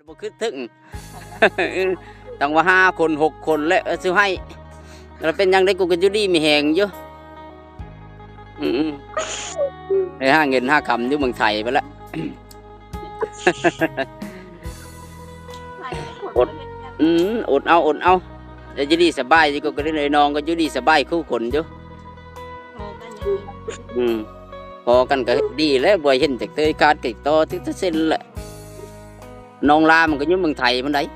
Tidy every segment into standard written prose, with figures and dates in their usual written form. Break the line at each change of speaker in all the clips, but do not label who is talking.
บ่คือถึง ต้องว่า5 คน6 คนและสิให้แล้วเป็นยังได้กูก็อยู่ดีมีแหงอยู่ได้หาเงินหาคำอยู่เมืองไทยไปแล้ว อดอดเอาจะอยู่ดีสบายสิกูก็ได้เลยน้องก็อยู่ดีสบายคู่คนอยู่พอกันก็ดีแล้วบ่เห็นจากเตยการติดต่อที่จะเซ็นแหละน้องลามันก็อยู่เมืองไทยมันได้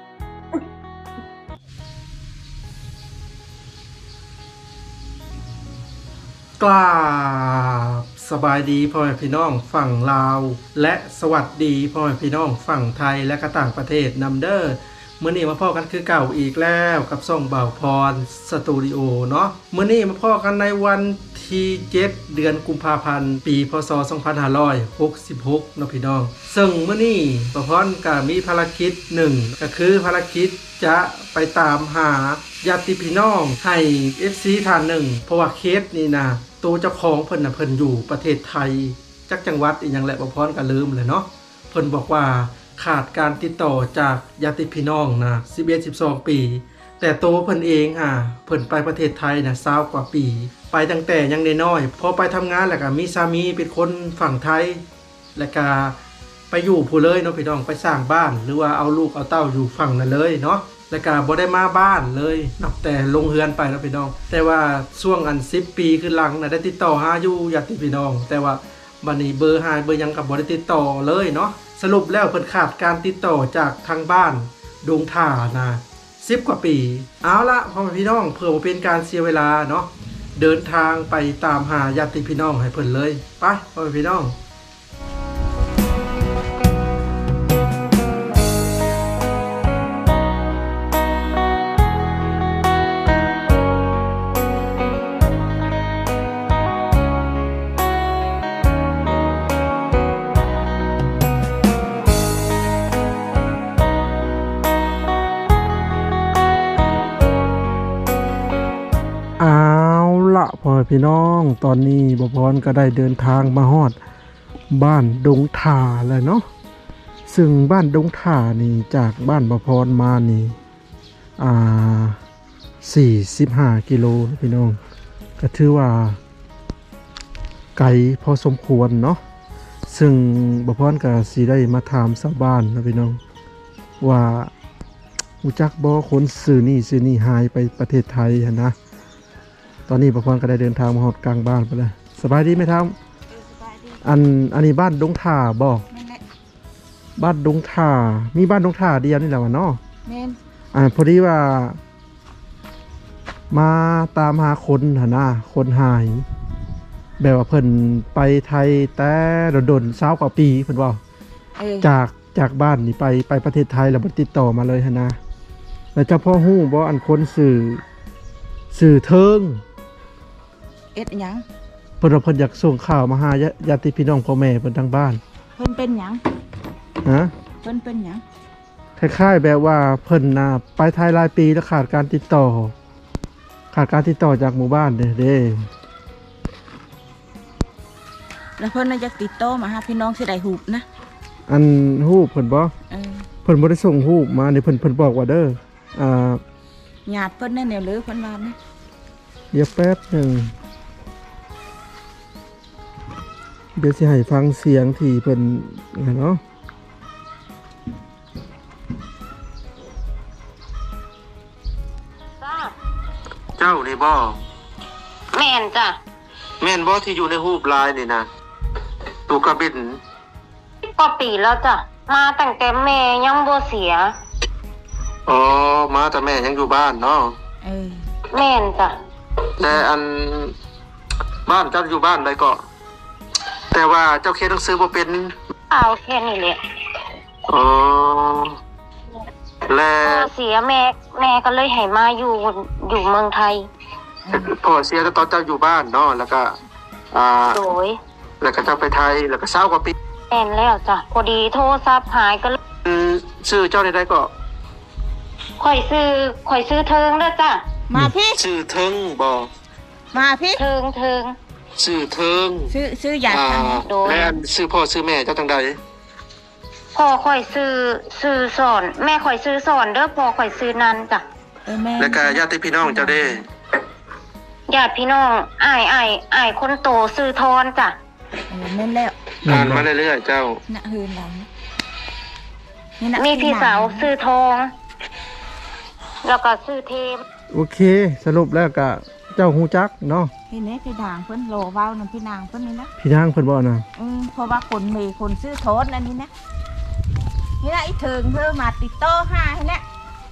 กราบสบายดีพ่อแม่พี่น้องฝั่งลาวและสวัสดีพ่อแม่พี่น้องฝั่งไทยและก็ต่างประเทศนำเด้อมื้อนี้มาพ่อกันคือเก่าอีกแล้วกับช่องบ่าวพรสตูดิโอเนาะมื้อนี้มาพ่อกันในวันที่7เดือนกุมภาพันธ์ปีพศ2566เนาะพี่น้องซึ่งมื้อนี้บ่าวพรก็มีภารกิจหนึ่งก็คือภารกิจจะไปตามหาญาติพี่น้องให้ FC ท่านหนึ่งเพราะว่าเคสนี้นะตัวเจ้าของเพิ่นน่ะเพิ่นอยู่ประเทศไทยจักจังหวัดอีหยังแหละบ่พรก็ลืมเลยเนาะเพิ่นบอกว่าขาดการติดต่อจากญาติพี่น้องนะ11-12 ปีแต่ตัวเพิ่นเองเพิ่นไปประเทศไทยนะ20 กว่าปีไปตั้งแต่ยังน้อยๆพอไปทำงานแล้วก็มีสามีเป็นคนฝั่งไทยแล้วก็ไปอยู่ผู้เลยเนาะพี่น้องไปสร้างบ้านหรือว่าเอาลูกเอาเต้าอยู่ฝั่งนั้นเลยเนาะแล้วก็บ่ได้มาบ้านเลยนับแต่ลงเฮือนไปแล้วพี่น้องแต่ว่าช่วง10 ปีขึ้นหลังได้ติดต่อหาอยู่ญาติพี่น้องแต่ว่าบัดนี้เบอร์หายเบอร์ยังก็บ่ได้ติดต่อเลยเนาะสรุปแล้วเพิ่นขาดการติดต่อจากทางบ้านดงถ่านะ10 กว่าปีเอาละพ่อแม่พี่น้องเพื่อบ่เป็นการเสียเวลาเนาะเดินทางไปตามหาญาติพี่น้องให้เพิ่นเลยไปพ่อแม่พี่น้องพ่อพี่น้องตอนนี้บ่พรก็ได้เดินทางมาฮอดบ้านดงถ่าแล้วเนาะซึ่งบ้านดงถ่านี่จากบ้านบ่พรมานี่45 กิโลพี่น้องก็ถือว่าไกลพอสมควรเนาะซึ่งบ่พรก็สิได้มาถามชาวบ้านนะพี่น้องว่ารู้จักบ่คนซื้อนี่หายไปประเทศไทยหั่นนะตอนนี้ประพรก็ได้เดินทางมาฮอดกลางบ้านไปแล้วสบายดีไหมครับอันนี้บ้านดงถ่าบ่บ้านดงถ่ามีบ้านดงถ่าเดียวนี่แหละวะเนาะแม่นพอดีว่ามาตามหาคนหั่นนะคนหายแบบว่าเพิ่นไปไทยแต่โดน20 กว่าปีเพิ่นว่าจากบ้านนี่ไปประเทศไทยแล้วบ่ติดต่อมาเลยหั่นนะแล้วเจ้าพ่อฮู้บ่อันคนสื่อเทิง
เอ็ดหยัง
เพิ่นอยากส่งข่าวมาหาญาติพี่น้องพ่อแม่เพิ่นทางบ้าน
เพิ่นเป็นหยังเพิ่นเป็นหยัง
คล้ายๆแบบว่าเพิ่นน่ะไปไทยหลายปีแล้วขาดการติดต่อจากหมู่บ้านเด้
แล้วเพิ่นน่ะอยากติดต่อมาหาพี่น้องสิได้ฮู้นะ
อันฮู้เพิ่นบ่เพิ่นบ่ได้ส่งฮู้มานี่เพิ่นบอกว่าเด้อ
ญาติเพิ่นนั่นแนวเลยเพิ่นว่านะ
เดี๋ยวแป๊บนึงเดี๋ยวสิให้ฟังเสียงที่เพิ่นเนาะเจ้านี่บ่
แม่นจ้ะ
แม่นบ่ที่อยู่ในรูปลายนี่นะตูกระบิน
ก็ปีแล้วจ้ะมาตั้งแต่แม่ยังบ่เสีย
อ๋อมาแต่แม่ยังอยู่บ้านเนาะ
แม่นจ้ะ
แต่อันบ้านเจ้าอยู่บ้านใดก็แต่ว่าเจ้าเขียนหนังสือบ่เป็น
เอาแค่นี้แหละ
อ๋อ
แล้วเสียแม่ก็เลยให้มาอยู่เมืองไทย
พ่อเสียตอนเจ้าอยู่บ้านเนาะแล้วก็
โดย
แล้วก็เจ้าไปไทยแล้วก็20 กว่าปี
แม่นแล้วจ้ะพอดีโทรศัพท์หายก็
ชื่อเจ้าใดก็
ค่อยซื้อเทิงเด้อจ้ะ
มาพี่
ชื่อเทิงบ่
มาพี่
เทิง
ชื่อเทิง
ซื้ออยาก
โดย
แม่ชื่อพ่อชื่อแม่เจ้าจังใด
พ่อข่อยซื้อสอน แม่ข่อยซื้อสอนเด้อพ่อข่อยซื้อนันจ้ะ
แม่
แล้วก็ญาติพี่น้องเจ้าเด้
ญาติพี่น้องอ้ายคนโตซื้อทอนจ้ะ
แม่นแล้ว
อ่านมาเรื่อยๆเจ้า
น่ะหืนหลังนี่นะ
มีพี่สาวซื้อทอง แล้วก็ซื้อเทม
โอเค สรุปแล้วก็เจ้าฮู้จักเนาะ
พี่นี่พี่นางเพิ่นโลเว้านำพี่นางเพิ่นนี่นะ
พี่นางเพิ่นบ่นะ
เพราะว่าคนมีคนซื้อโทษอันนี้นะนี่นะไอ้เถิงเธอมาติดต่อหาให้นะ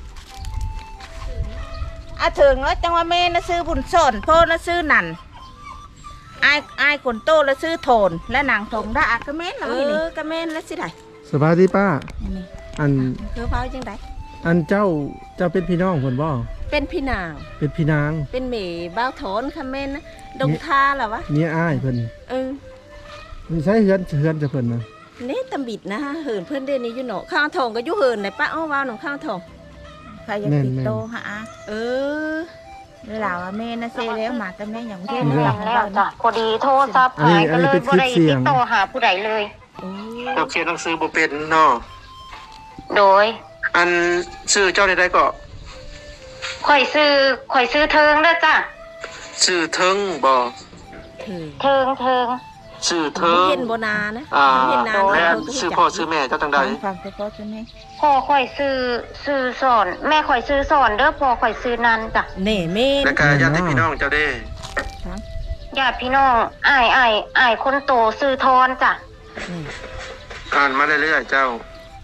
เถิงแล้วจังว่าแม่น่ะซื้อบุญสนพ่อน่ะซื้อนั่นไอ้คนโตแล้วซื้อโทนและนางทงได้ก็แม่นแล้วนี่ก็แม่นแล้วสิได้
สบายดีป้า
นี่
อัน
คือเฝ้าจังได๋
อันเจ้าเป็นพี่น้องเพิ่นบ่
เป็นพี่นาง
เป็นพี่นาง
เป็นหมีบ้าวโถนค่ะแม่นนะดงทาเหรอวะ
เมียอ้ายเพิ่น
เออ
มันใช้เฮือนจะเพิ่นนะ
นี่ตำบิดนะฮะเหินเพื่อนเดนนี้อยู่เนาะข้าวทองก็อยู่เหินไหนป้าอ้อว้าวหนองข้าวทอง
ใครอยากติดต่อหา
เออ
เวลาว่าแม่น่ะเซแล้วมาแต่แม่อย่างเช่น
แม่นแล้วจ้ะพอดีโทรศัพท์หายก็เลยบ่ได้ติดต่อหาผู้ใดเลย
เราเขียนหนังสือบ่เป็นเนาะ
โดย
อันชื่อเจ้าได้ก็
ข่อยซื้อเทิงเด้อจ้ะ
ชื่อเทิงบ่
ถือ
เทิง
ชื่อเทิง
เห็นโบนานะ
แ
เห็นนาน
ม่
แล้ว
ชื่อพ่อชื่อแม่เจ้าจังใด
ฟังแต่พ่อจะแม่
พ่อข่อยซื้อสอน แม่ข่อยซื้อสอนเด้อพ่อข่อยซื้อนันจ้ะ
เน่เม่
แล้วก็ญาติพี่น้องเจ้าเด้
ญาติพี่น้องอ้ายคนโตซื้อทอนจ้ะ
อ่านมาเรื่อยๆเจ้า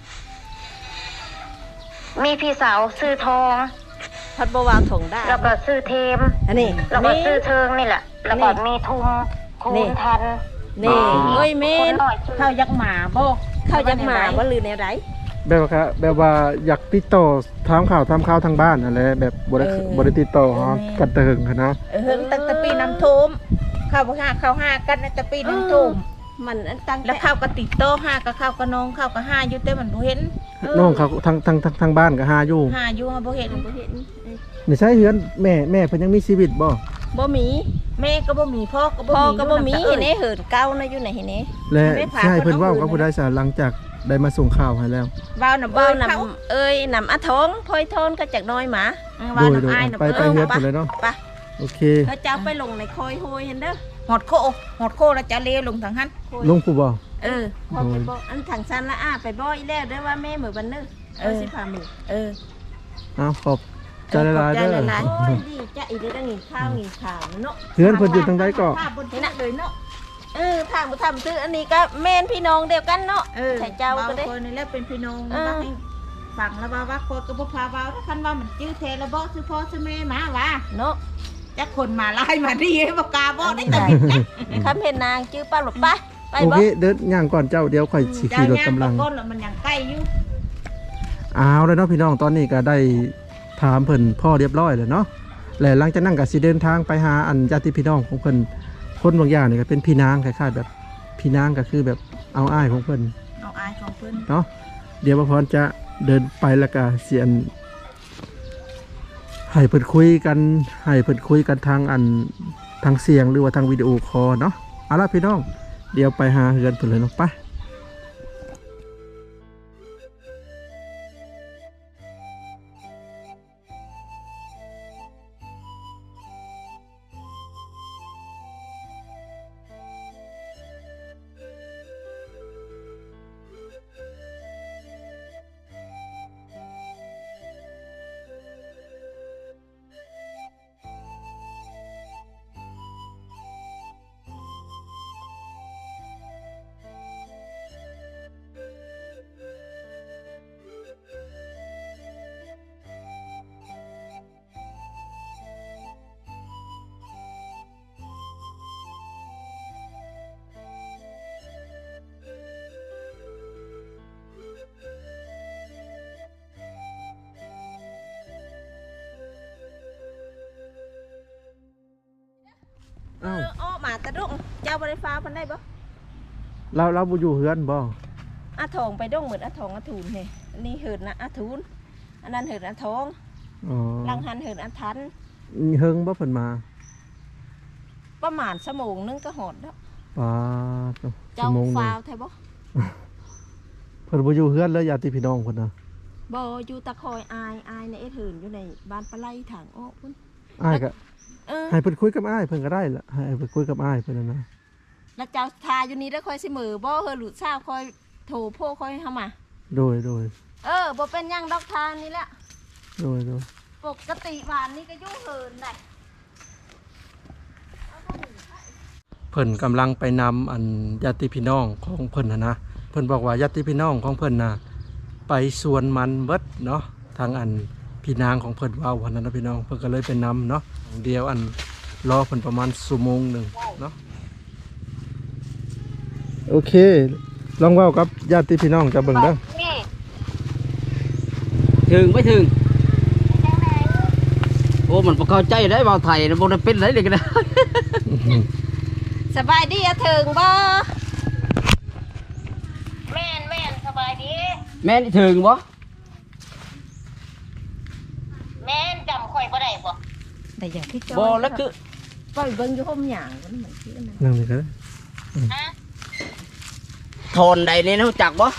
มีพี่สาวซื้อทอง
พัดบวาวถงได้
แล้วก็ซื้อเทม
อันนี้
แล้วก็ซื้อเทิงนี่แหละ แล้วก็มีทุงคูณทัน
นี่เอ้ยเม่
คนน้อยซื้อ
เข้ายักหมาบ่
เข้ายักมาว่าลือในไร
แบบว่าอยากติดต่อถามข่าวทางบ้านอะไรแบบบ่ได้ติดต่อฮะกันเถิงนะ
เฮิงตั้งแต่ปีน้ำท่วมเข้าห้ากันตั้งแต่ปีน้ำท่วม
มันตั้ง
แล้วเข้าก็ติดโตห้าก็เข้าก็น้องเข้าก็ห้าอยู่แต่มันบ่เห็น
น้องเขาทางบ้านก็หาอยู่
ห้าอยู่บ่เห็น
บ่เห็น
ไม่ใช่เฮือนแม่เพิ่นยังมีชีวิตบ่
บ่มี
แม่ก็บ่มีพ่อก็บ่
พ่อ
มี
ก็บ่มี
เห็
เห็นเหินเก้านะอยู่ไหนเห็นเน่
และใช่เพิ่นเว้ากับผู้ใดซะหลังจากได้มาส่งข่าวให้แล้ว
ว้าวน่ะ
บ้า
เบ้าว
น
เขา
ำเอ้ยนำอาทองพลอยทอนก็จากน้อยหมา
ว้าว
โด
น่ะ
ย
อ้ายน่ะ
ไปเฮือนเพิ่นเลยเนาะ
ไป
โอเค
เขาจะเอาไปลงในคอยโฮยเห็นเด้อ
หอดโคแล้วจะเลวลงทางหัน
ลงผู้บ่
พอไปบอกอันถังซันละไปบอกอีแล้วเด้อว่าแม่เหมือนบันเนอร์สิพามือ
อ้าวขอบใจหลายๆเด้อ
โอ้ยดีจะอีกได้งินข้าวงินข่าวเนาะ
เฮือนเพิ่นอยู่ทางใดก็
ภาพบนที่นั่นเลยเนาะ
ทางทำซื้ออันนี้ก็แม่นพี่น้องเดียวกันเนาะใส่เจ้าก็ได้
คนนี่แหละเป็นพี่น้องนะให้ฟังแล้วว่าคนก็บ่พาว่าถ้าคันว่ามันจื้อแท้แล้วบ่ซื้อพ่อซื้อแม่มาว่า
เนาะ
จักคนมาไล่มาดีบ่กล้าบ่ได้แต่บิดนะ
คำเห็นนางจื้อป้าหลบไปไป
โอ
บ่
เคเดินย่างก่อนเจ้าเดี๋ยวค่อยสิขี่รถกำลัง
ก้นแล้วมันยังใกล้อยู่
เอาแล้วเนาะพี่น้องตอนนี้ก็ได้ถามเพิ่นพ่อเรียบร้อยแล้วเนาะและหลังจากนั้นก็สิเดินทางไปหาอันญาติพี่น้องของเพิ่นคนบางอย่างนี่ก็เป็นพี่นางคล้ายๆแบบพี่นางก็คือแบบเอาอ้ายของเพิ่น
เอาอายของเพิ่น
เนาะเดี๋ยวบ่พรจะเดินไปแล้วก็เสียนให้เพิ่นคุยกันทางทางเสียงหรือว่าทางวิดีโอคอลเนาะเอาล่ะพี่น้องเดี๋ยวไปหาเฮือนเพิ่นเลยเนาะไปอ้าว
อ้อมาตะดุงเจ้าบริฟ้าพันได้บ่
เราบ่อยู่เฮือนบ่
อาทองไปดงเหมือนอาทองอาทูนเฮ้อันนี้เหินนะอาทูนอันนั้นเหินอาทอง
อ๋อ
ลังหันเหินอาทัน
เฮิงบ่เพิ่นมา
ประมาณชั่วโมงนึงก็หอดแล้ว
ปาด
เจ้า
ชั่วโมงหนึ่ง
ฟาวไทยบ่
พพิ่นบ่อยู่เฮือนเลยญาติพี่น้องเพิ่นน่ะ
บ่อยู่ตะคอยอายในเอ็ดหืนอยู่ในบ้านปลาไหลถังออกพุ่น
อ้ายก็
เออ
ให้เพิ่นคุยกับอ้ายเพิ่นก็ได้ล่ะให้เพิ่นคุยกับอ้ายเพิ่นน่ะนะ
แล้วเจ้าทาอยู่นี่ได้คอยสิมือบ่เฮอหลุดซ่าคอยโถโพคอยเฮามา
โดย
บ่เป็นหยังดอกทานนี่แหละ
โดย
ปกติบ้านนี้ก็อยู่เหินได้
เพิ่นกำลังไปนำอันญาติพี่น้องของเพิ่นนะเพิ่นบอกว่าญาติพี่น้องของเพิ่นน่ะไปสวนมันเบิดเนาะทางอันพี่นางของเพิ่นว่าวันนั้นนะพี่น้องเพิ่นก็เลยไปนำเนาะเดียวอันรอเพิ่นประมาณชั่วโมงหนึ่งเนาะโอเคลองเว้ากับญาติพี่น้องจะเบิ่งเด้อ
นี่
ถึงไม่ถึงโอ้มันบ่เข้าใจได้เว้าไทยบ่ได้เป็นไรเลยก็ได้
สบายดีอะถึงบ่
แม่นสบายดี
แม่นถึงบ่
แม่นจำข่อยบ่ได้บ่
แต่อย่างที่จอย
บ่แล้วคือ
ปล่อยเบิ่งอยู่ห่มหยางมันเหมือนที่นั่น
นั่งนี่ก็ได้
ฮะ
โทนใดนี่รู้จักบ่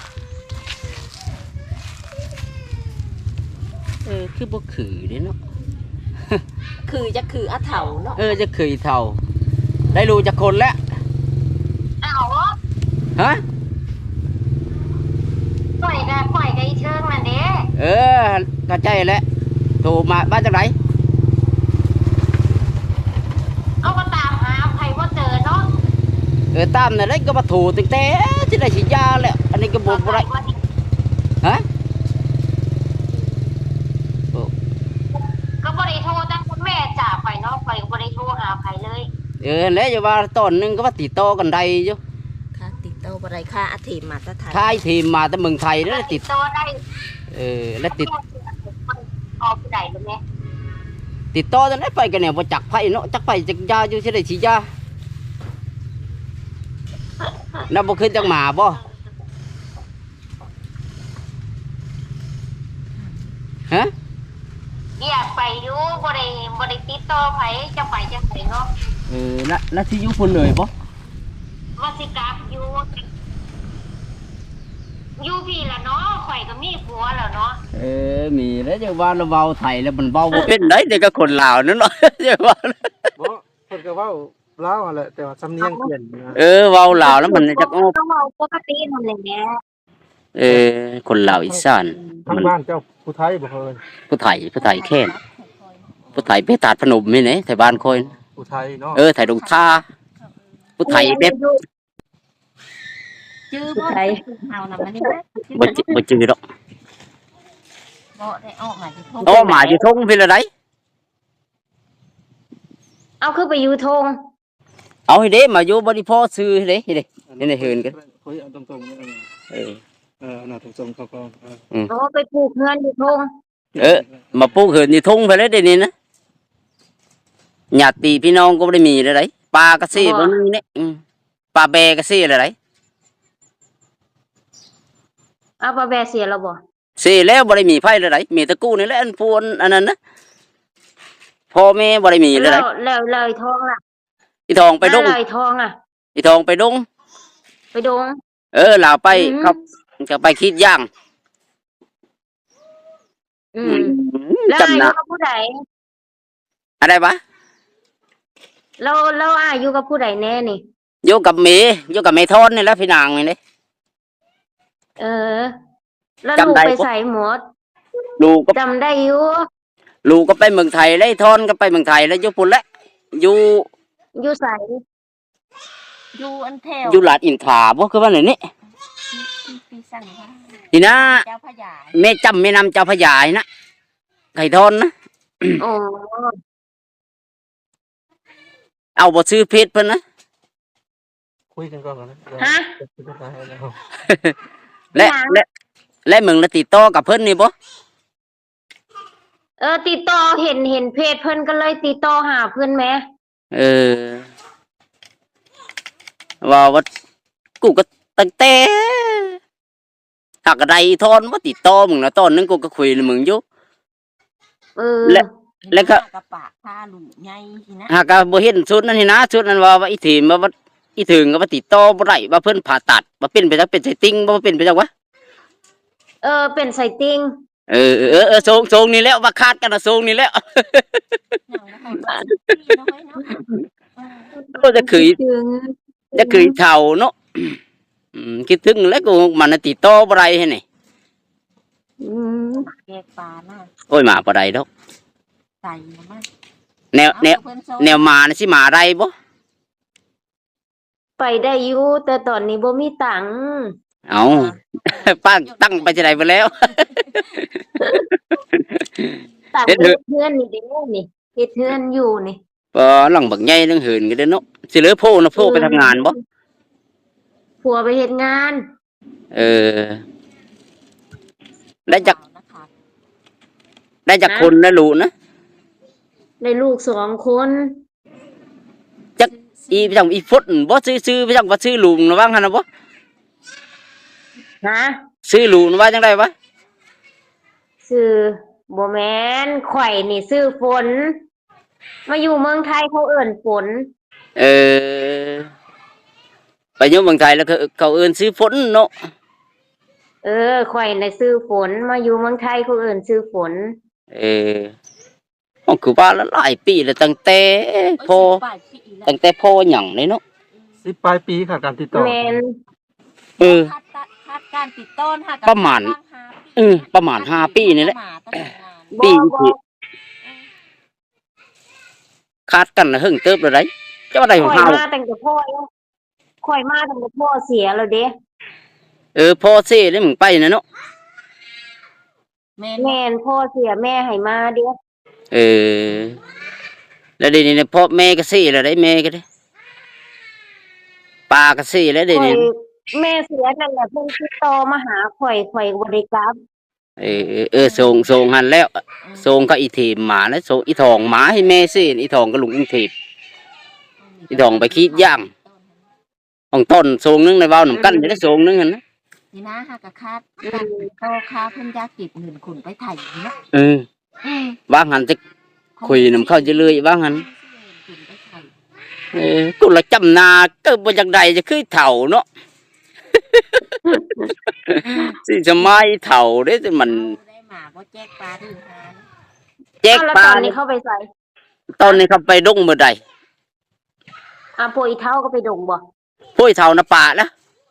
คือบ่คือเด้เนาะ
คือจะคืออะเถาเนาะ
จะคือเท่าได้รู้จักคนแล้ว
อ้าว
ฮะ
ข่อยก็อีเชิงนั่นเด้
เข้าใจแล้วโทรมาบ้านจากไหน
เอาก็ตามหาไผบ่เจอเนาะ
ตามนั่นได้ก็มาถูตั้งแต่ที่ได้ฉีดยาแล้วอันนี้ก็บ่ได้ฮะ
ก็บ่ได้โทรตั้งคุณแม่จ่าข่อยเนาะข่อยก็บ่ได้โทรหาไผเลย
แล้วอย่าว่าตอนหนึงก็ว่าติดต่อกันได้อยู่
ค่ะติดเตาบ่ได้ค่าอาทิตย์มาตะไทย
ค่ายทีมมาแต่เมืองไทยแล้วติด
ต่อได้
แล้วติด
ออกผู้ใดรู้ไหม
ติดต่อจนได้ไปกันเนี่ยบ่จักไผเนาะจักไผจักยาอยู่ที่ได้ฉีดยาแล้วบ่ขึ้นจังหมาบ่ฮะ
อยากไปอยู่บ่ได้ติดต่อไผจะไปจังไดเนาะ
แล้วที่อยู่พุ่นเลยบ่
ว่าสิกลับอยู่พี่ละเนาะข่อยก็มีผัวแล้วเนาะ
มีแล้วจะว่าเราเว้าไทยแล้วมันเว้าบ่เป็นได้เด็กก็คนลาวนั่นเนาะ จะว่า
บ่เพิ่นก็เว้าลาวหั่นแหละแต่ว่าสำเนียงเปลี่ยนนะ
เว้าลาวแล้วมันจะอ้อ
ต้องเว้าปกตินั่นแหละแหละ
คนลาวอีสาน
ทาง
มัน
บ้านเจ้าผู้ไทยบ่เพิ่น
ผู้ไทยแค่นผู้ไทยไปตาดพนมนี่ไหนแถวบ้านคอย
ผู้ไทยเนาะ
ไทยดงท่าผู้ไทยแบบ
ชื่อบ่ไทยเฮานํมันนี่
บ่จือดอก
บ่ได้ออกมาที่พง
โตมาอยู่ทงพี่ละได
เอาคือไปอยู่ทง
เอาให้เด้มาอยู่บ่ได้พอซื้อให้เด้นี่เฮินกัน
คุยเอาตรงๆนี่ อันน่ะตรงๆเขาก็
โอ้ไปปลูกเงินอยู่ทง
มาปลูกเฮินอยู่ทงไปแล้วเดี๋ยวนี้นะญาติพี่น้องก็บ่ได้มีเลยไดปลาก็ซี่บ่มีเนี่ยปลาแบก็ซี่เลยได
เอาปลาแบเสียแล้วบ่
ซี่แล้วบ่ได้มีไผเลยไดมีแตะกู้นี่แหละอันพวนอันนั้นนะพ่อแม่บ่ได้มีเลยได
แล้วเลยทองล่ะ
อีทองไปดง
เลยทองอ่ะ
อีทองไปดง
ไปดง
ลาวไปครับก็ไปคิดย่าง
แล้วอา
จำ
ยุ
นะ
กับผู้ใด
อะไรวะ
แล้วอายุกับผู้ใดแน่นี่
อยู่กับเมย์อยู่กับเมทอนนี่แหละพี่นางนี่เด้
แล้ว
จำ
ลูก
ได้
ไป
ปะ
ใส่หมด
ลูกก็
จำได้อยู่
ลูกก็ไปเมืองไทยแล้วไอ้ทอนก็ไปเมืองไทยแล้วอยู่ปุ่นแล้วอยู่
อยู่ใส่
อยู่อันแถว
อยู่หลาดอินทราบ่คือว่าไหนนี่
ปีสั่งว่า
นี่นะ
เจ้าพญา
แม่จำแม่นำเจ้าพระยายนะไก่ทอนนะ
โอ้
เอาบ่ซื้อเพชรเพิ่นนะ
คุยกันก่อนนะ
ฮะ
และมึงละติดต่อกับเพิ่นนี่บ่
ติดต่อเห็นเพจเพิ่นก็เลยติดต่อหาเพิ่นแหม
ว่ากูก็ตั้งแต่หากใดทอนบ่ติดต่อมึงนะตอนนึงกูก็คุยกับมึงอยู่ แล้วก็
กระปะพาลุงใหญ่ทีนะ
หากบ่เห็นชุดนั้นนี่นะชุดนั้นว่าอีถีมว่าอีถึงก็ว่าติดต่อบ่ได้ว่าเพิ่นผ่าตัดว่าเป็นไปจักเป็นไสติ่งบ่เป็นไปจักวะ
เป็นไสติง
ทรงนี่แล้วว่าคาดกันนะทรงนี่แล้ว
อย่างนะคะพี่น้อยเนาะ
ก็จะคือ
คิดถึง
จะคือเท่าเนาะคิดถึงแล้วกูมันน่ะติดต่อบ่ได้ให้นี่
อืม
แยกปลาหน้า
โอ้ยมาบ่ได้ดอก
ใส่มา
แนวมาน่ะสิมาได้บ่
ไปได้อยู่แต่ตอนนี้บ่มีตังค์
เอา ป้าตั้งไปจะได้ไปแล้ว
ตังค์
เฮ็ดเถอะ
เพื่อนนี่เด้นี่เฮ็ดเพื่อนอยู่นี่
บ่หลังบักใหญ่นึงเหินก็ได้เนาะสิเหลือโพนะโพไปทำงานบ่
ผัวไปเฮ็ดงาน
เออ ได้จากคนนะลูกนะ
ได้ลูก2 คน
จักอีไปจังอีฟุตบ่ซื้อไปจังว่าซื้อลุงนะว่างั้นน่ะบ่
ฮะ
ซื้อลุงนะว่าจังได๋วะ
ชื่อบ่แม่นข่อยนี่ชื่อฝน มาอยู่เมืองไทยเขาเอิ้นฝน
เออไปอยู่เมืองไทยแล้วเขาเอิ้นซื้อฝนเนาะ
ข่อยน่ะชื่อฝน มาอยู่เมืองไทยเขาเอิ้นชื่อฝน
เออมันคือว่าละหลายปีแล้วตั้งแต่พ่อตั้งแต่พ่อหยังเลยเนาะ
10 ปลายปีค่ะการติดต่อ
แม่น
เออ
คาดการติดต้น
ประมาณ ประมาณ5ปีนี่แหละ ปี
บ่
ที่คาดกันน่ะหึงเติบแล้วได้เจ้าได้ของ
ข่อย
เฮา
มาตั้งแต่พ่อแล้วข่อยมาตั้งแต่พ่อเสียแล้วเด้
พ่อเซ่ได้มึงไปน่ะเนาะ
แม่นพ่อเสียแม่ให้มาเด้
เออแล้วเดี๋ยวนี้เนี่ยพ่อแม่ก็เซ่แล้วได้แม่ก็ได้ป้าก็เซ่แล้วเดี๋ยว
ข่อ
นี้
ยแม่เสียนั่นแหละเพิ่นติดต่อมาหาข่อยบ่ได้กลับ
ส่งหันแล้วส่งก็อีทีมหมาแล้วส่งอีทองหมาให้แม่เซ่อีทองก็ลุงอีทีมอีทองไปคิดย่างของต้นส่งนึงในเว้านํกันจะได้ส่งนึงหั่นนะ
นี่นะฮะกะคาดการโตคาเพิ่นอยากเก็บเงินคุณไปไถ่เนาะ
ว่างหันจะคุยนำเข้าจะเลยว่างหัน
คุณไปไถ่
กูละจำนาก็บ่จักใดจะคือเฒ่าเนาะ สิจะไม่เฒ่าเด้แต่มัน
ได้หมาบ่แจกปลาดื้อหา
แจก
แล้ว
ปลา
ตอนนี้เข้าไปใส่
ตอนนี้เขาไปดงมื้อใด
พวกอีเฒ่าก็ไปดงบ่
ผู้เฒ่านะป่าแล้ว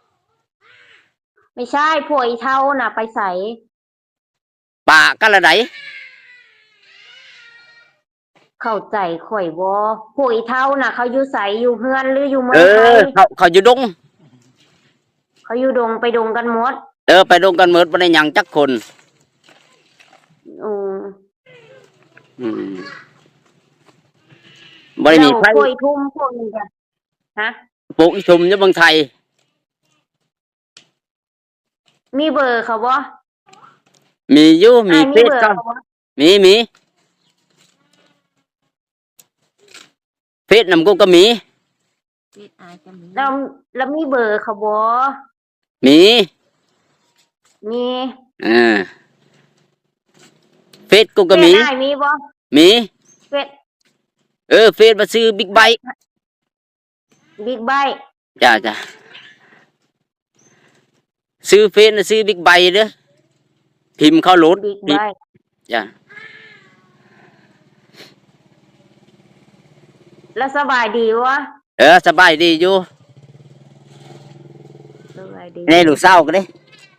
ไม่ใช่พวกอีเฒ่าน่ะไปใส่
ป่ากันละได
เข้าใจข่อยบ่พวกอีเฒ่าน่ะเขาอยู่ไสอยู่เฮือนหรืออยู่เมืองไทย
เขาอยู่ดง
เขาอยู่ดงไปดงกันหมด
ไปดงกันหมดบ่ได้หยังจักคน
อืม
อืมบ่ได้มีไผ
แล้วพวกอีทุ่มพวกนี้จ้ะฮะ
ปลูกอีชุมอยู่เมืองไทย
มีเบอร์เขาบ่
มีอยู่มี
อ้าย
เฟ
มี
ซ
เบอร์
ก็
เขาบ่
มีเฟซนำกูก็มี
เฮ็ดอายจะมี
แล้วมีเบอร์เขาบ่
มี
มี
เฟซกูก็มี
เฟซอ้ายมีบ่
มี
เฟซ
เฟซมาซื้อบิ๊กไบค์
บิ๊กไบค์
จ้าซื้อเฟซน่ะซื้อบิ๊กไบค์เด้อพิมพ์เข้าโหลด
บิ๊กไบค์
จ้า
แล้วสบายดีวะ
สบายดีอยู่
สบายดี
ในลูกเศร้าก็ได้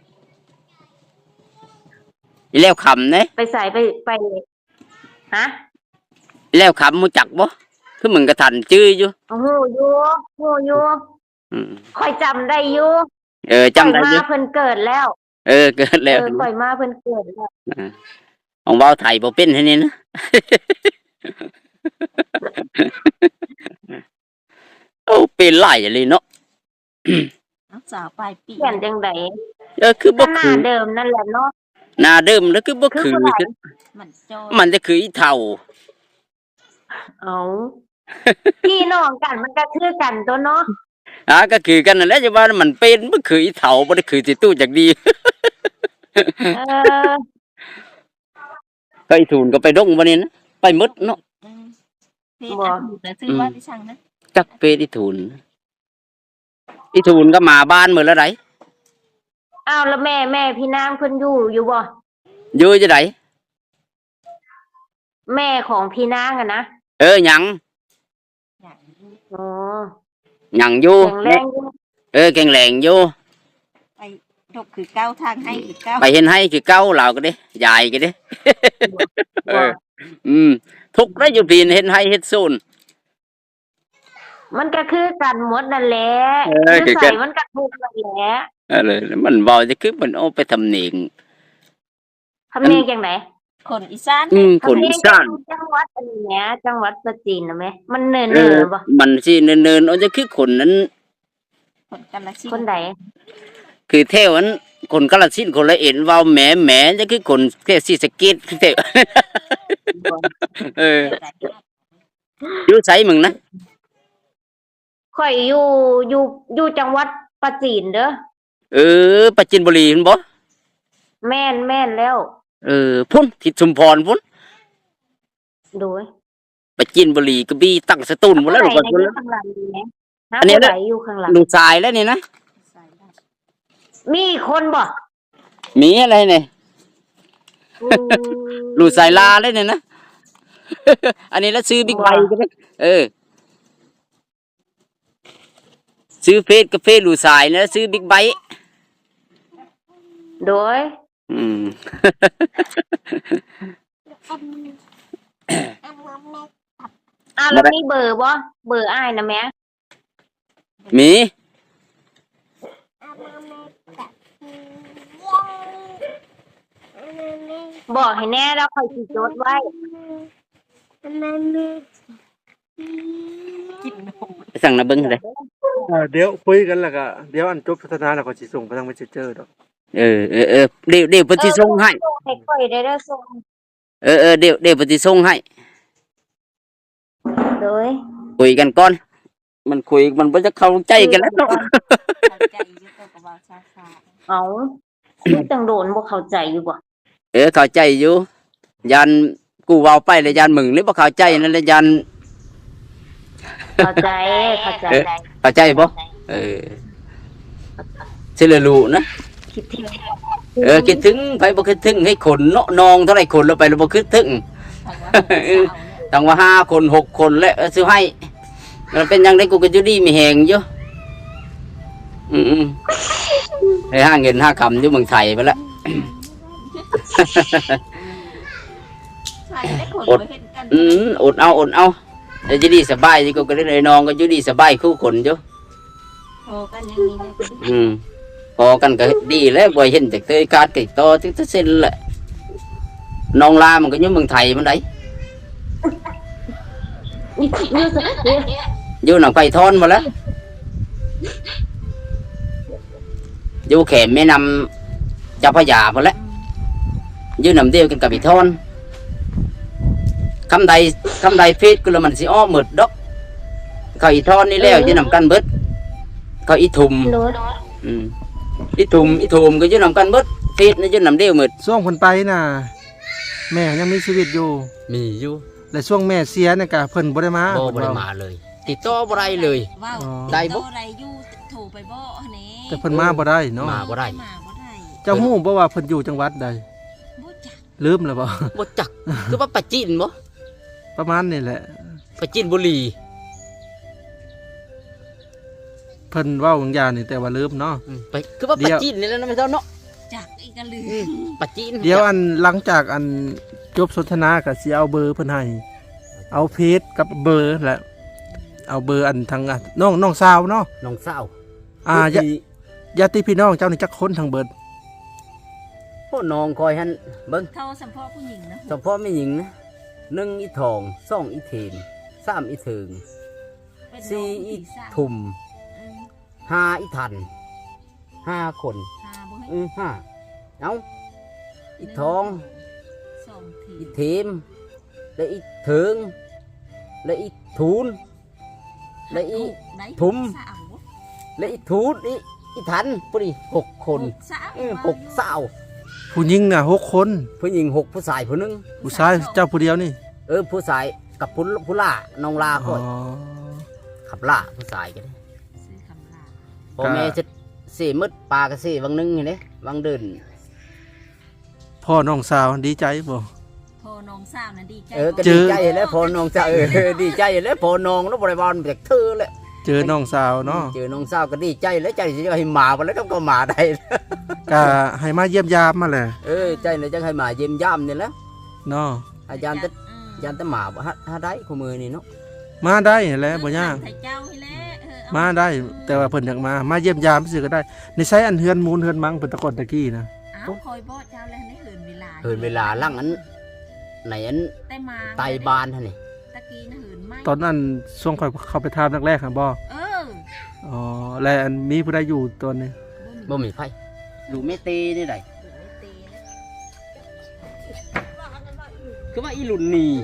อีแล้วขำเด้
ไปใส่ไปฮะ
อีแล้วขำมูจักบ่คือมึงกระทันจื้ออยู่
โอ้โหอยู่
อืม
ค่อยจำได้อยู่
จำได้
ข่อย
อยู่
มาเพิ่นเกิดแล้ว
เกิดแล้ว
ข่อยมาเพิ่นเกิดแล้ว
ของเว้าไทยบ่เป็นให้นี่นะ โอ้เป็นหลายเลยเนาะ
น้องสาวปลายปี
เปลี่ยนจังได๋
คือ
ก็
บ่
หน้า
คือ
เดิมนั่นแหละเนาะ
หน้าเดิมแล้วคือบ่
คือ
คือ
ผู้ใด
มันโจ
มันจะคืออีเฒ่า
เอาพี่น้องกันมันก็คือกันตัวเนาะ
ก็คือกันนั่นแหละจะว่ามันเป็นบ่คืออีเฒ่าบ่ได้คือสิตู้จักดี
เออ
ก็อีทูนก็ไปดงบ่นี่นะไปหมดเนาะ
เฮ็ดอาถูกแต่ซื้อว่าที่ช่างนะ
จักเฟซอีทูนก็มาบ้านมื้อละได
อ้าวแล้วแม่พี่นางเพิ่นอยู่บ่
อยู่จะไหน
แม่ของพี่นางอะนะ
หยัง
อ๋อ
หยังอยู่
แข็งแรงอยู่
แข็งแรงอยู่
ไปดกคือเก้าทางให้คือเก้า
ไปเห็นให้คือเก่าเราก็เด้ยายก็เด้
บ่
ทุกข์ได้อยู่ปีนเห็นให้เฮ็ดซูน
มันก็คือกันหมดนั่นแหละ
คือ
ใส่
กัน
มันก็ทุกข์นั่นแหละ
เลยมันเบาจะคือมันเอาไปทำเนียง
ทำเนียงจังไหน
คนอีสาน
คนอีสาน
จังหวัดอันนี้แหมจังหวัดประจีนน่ะแหมมันเนินๆบ่
มันสิเนินๆเอาจะคือคนนั้น
คนกาฬสิน
คน
ธุ์
ใด
คือเท่านั้นคนกาฬสินธุ์คนละเอ็นเว้าแหมจะคือคนแค่ศรีสะเกษคือเท่า อยู่ไสมึงนะ
ข่อยอยู่จังหวัดประจีนเด้อ
ปราจีนบุรีเห็นบ่
แม่นแล้ว
พุ่นทิศชุมพรพุ่น
โดย
ปราจีนบุรีกระบี่ตั้งสตูลหมดแล้วลูก
ไหน
พุ่น
อยู่ข้างหลังดีไหมฮะ
อันนี้
ผู้ใดอยู่ข้างหลัง
ลูกชายแล้วนี่นะ
มีคนบ่
มีอะไรเนี่ย
อืม
ลูกสายลาเลยเนี่ยนะ อันนี้แล้วซื้อบิ๊กไบค์ก็ได้ซื้อเฟสกับเฟสลูกสายนะซื้อบิ๊กไบค์
โดย แล้วมีเบอร์บ่เบอร์อ้ายนะแม่
มี
บอกให้แน่แล้วค่อยสิจดไว้
ไปสั่งนะเบิ้งเลย
เดี๋ยวคุยกันแล้วก็เดี๋ยวอันจบพัฒนาแล้วก็สิส่งไปทาง Messenger ดอก
เดี๋ยวปฏิส่งให้
ให้ค่อยได้เด้อส่ง
เดี๋ยวปฏิส่งให้
โดย
คุยกันก่อน มันคุยมันบ่จะเข้าใจกันแล้วเนาะ
เข้าใจอยู่ตัวกับว่าซา
เอาจังโดนบ่เข้าใจอยู่บ่
เข้าใจอยู่ยันกูเว้าไปแล้วยันมึงเลยบ่เข้าใจนั่นแหละยัน
เข้าใจ
เข้าใจบ่สิเลยรู้นะ
คิดถึง
คิดถึงไปบ่คิดถึงให้คนเนาะนองเท่าไหร่คนเราไปเราบ่คิดถึง
ๆทางว่าสาวเนี่ย
ตั้งว่า5 คน 6 คนแล้วซื้อให้มันเป็นยังไงกูก็อยู่ดีมีแหงอยู่ให้หาเงินหาคำอยู่เมืองไทยไปแล้ว
ใช่ได้คนมาเห็นกัน
อดเอาเดี๋ยวจะดีสบายกูก็ได้น้องก็อยู่ดีสบายคู่คนอยู่
โทรกันอย่างนี้นะ
พอกันก็ดีแล้วบ่เห็นจากเตยการติดต่อที่จะเซ็นแหละน้องลามันก็อยู่เมืองไทยมันได้อยู่หนังไผ่ทอนมาแล้วอยู่แขมแม่นำเจ้าพระยามาแล้วอยู่นำเดียวกันกับอีทอนคำใดเฟซก็แล้วมันสิอ้อหมดดอกเขาอีทอนนี่แล้วอยู่นำกันเบิดเขาอีทุม
โดย
อีทุมก็อยู่นำกันเบิดเฟซนี่อยู่นำเดียวหมด
ช่วงเพิ่นไปน่ะแม่ยังมีชีวิตอยู่
มีอยู่
และช่วงแม่เสียเนี่ยก็เพิ่นบ่ได้มา
บ่ได้มาเลย ติดต่อบ่ได้เลย
ว้าว
ได้บ่
อะไรอยู่โทรไปบ่นี่
แต่เพิ่นมาบ่ได้เนาะ
มาบ่ได้
มาบ่ได้
เจ้าฮู้บ่ว่าเพิ่นอยู่จังหวัดใด
บ่จัก
ลืมแล้วบ่
บ่จักคือว่าปะจีนบ่
ประมาณนี่แหละ
ปะจีนบุรี
เพิ่นเว้าบางอย่างนี่แต่ว่าลืมเนาะ
ไปคือว่า
เดี๋
ปะ
ยว
จีนนี่แหล้วนะไม่เท่าเนาะ
จักอีกก็ลืม
ปะจีน
เดี๋ยวอันหลังจากอันจบสนทนาก็สิเอาเบอร์เพิ่นให้เอาเพจกับเบอร์แหละเอาเบอร์อันทางอันน้องสาวเนาะ
น้องสาว
ญาติพี่น้องเจ้านี่จักคนทางเบิด
พ่อน้องคอยหันเบิ่ง
เข้าสัมพ่อผู้หญิงนะ
เฉพาะไม่หญิงนะ1อีทอง2อีเทน3อีเถิง
เป็นน้
สี่
อง
อี
สาว
ทุม
อืม
5อีทัน5 คน
หาบ่ให้
5เอาอีทอง
สองที
อีเทมและอีเถิงและอีทูนและอี
ได้
ทุม
สาวบ่
และอีทูนอีทันพอดี6 คน
สาว
6 สาว
ผู้หญิงน่ะ6 คน
ผู้หญิง6 ผู้ชายผู้หนึง
ผู้ชายเจ้าผู้เดียวนี่
ผู้ชายกับผู้ล่าน้องลา
อ๋
ก่
อ
อนขับล่าผู้ชายกัน
ซื้อคำลา
พ่อแม่จะสี่มืดปลาก็สี่วังนึงนี่เด้วังเดิน
พ่อน้องสาวดีใจบ่
พอน้องสาวน่ะดีใจ
ก็
เจ
ดี
อ
ใจแล้วพอน้องสาวดีใจแล้วพอน้องแล้วบริวารจากเธอแหละ
เจอน้องสาวเนาะ
เจอน้องสาวก็ดีใจแล้วใจสิให้หมาไปแล้วก็หมาได้
ก็ให้มาเยี่ยมยามมาแหละ
ใจเลยจะให้หมาเยี่ยมย่ำนี่แหละ
เนาะ
อาจารย์จะหมาบ่ฮะได้คู่มือนี่เนาะ
มาได้แหละบ่ยาก
ไทยเจ้าให้แล้ว
มาได้แต่ว่าเพิ่นอยากมาเยี่ยมยามซื่อก็ได้ในไสอันเฮือนมูลเฮือนมังเพิ่นแตะกอนตะกี้นะ
อ้าวคอยบ่เจ้าแล้วในเหินเวลา
เหินเวลาลั่งอันไหนอัน
แต่มา
ไตบานท่านนี่
ตะกี้น่ะเหินไหม
ตอนนั้นช่วงค่อยเข้าไปทามแรกๆครับบ่
เออ
อ๋อและอันมีผู้ใดอยู่ตอนนี้
บ่มีไผดูไม่ตีนี่ได้
ตีแล้ว
คือว่าอีหลุนนี่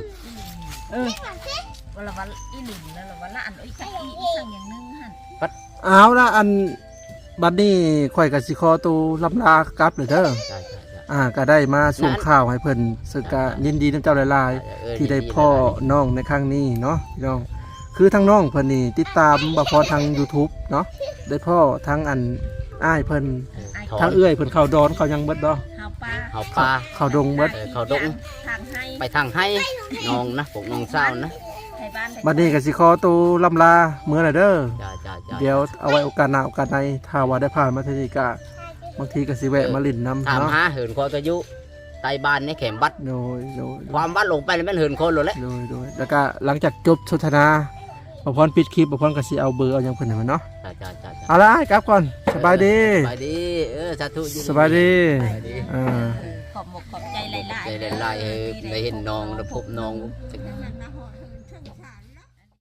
วันละวันอีหนึ่งแล้วละวันละอันอีกสักอีกสักอย่างหนึงหั่น
เอาละอันบัดนี้ข่อยก็สิขอตัวลำลากลับเลยเด้อ
ใช่
ก็ได้มาส่งข่าวให้เพิ่นสึกกะยินดีน้ำเจ้าหลายๆที่ได้พ่อน้องในครั้งนี้เนาะพี่น้องคือทั้งน้องเพิ่นนี่ติดตามบ่พอทาง YouTube เนาะได้พ่อทั้งอันอ้ายเพิ่นทั้งเอื้อยเพิ่นเข้าดอนเข้ายังเบิดดอก
เฮาปลา
เอาปลา
เข้าดงเบิด
เขาดง
ทางให้
ไปทางให้น้องนะพวกน้องสาวนะ
ไทยบ้านไทย
บัดนี้ก็สิขอตัวลำลาเมื่อน่ะเด้อ
จ้า
เดี๋ยวเอาไว้โอกาสหน้าโอกาสในถ้าว่าได้ผ่านมาที่นี่ก็บางทีก็สิแวะมาลิ้นน้ำ
ถาม
เนาะ
หาเหินคอกระยุไตบานในแขมบัด
โดย
ความบัดลงไปแล้วมันเหินคนเลยแหละ
แล้วก็หลังจากจบสนทนาบ่พรปิดคลิปบ่พรก็สิเอาเบอร์เอาหยังเพิ่นให้มันเนาะ
จ้า
เอาละกลับก่อนสบายดี
สบายดีสาธุ
สบายดี
สบายดี
อ่า
ขอบหมกขอบใจหลายๆ
ใจหลายๆได้เห็นน้องได้พบน้องสัก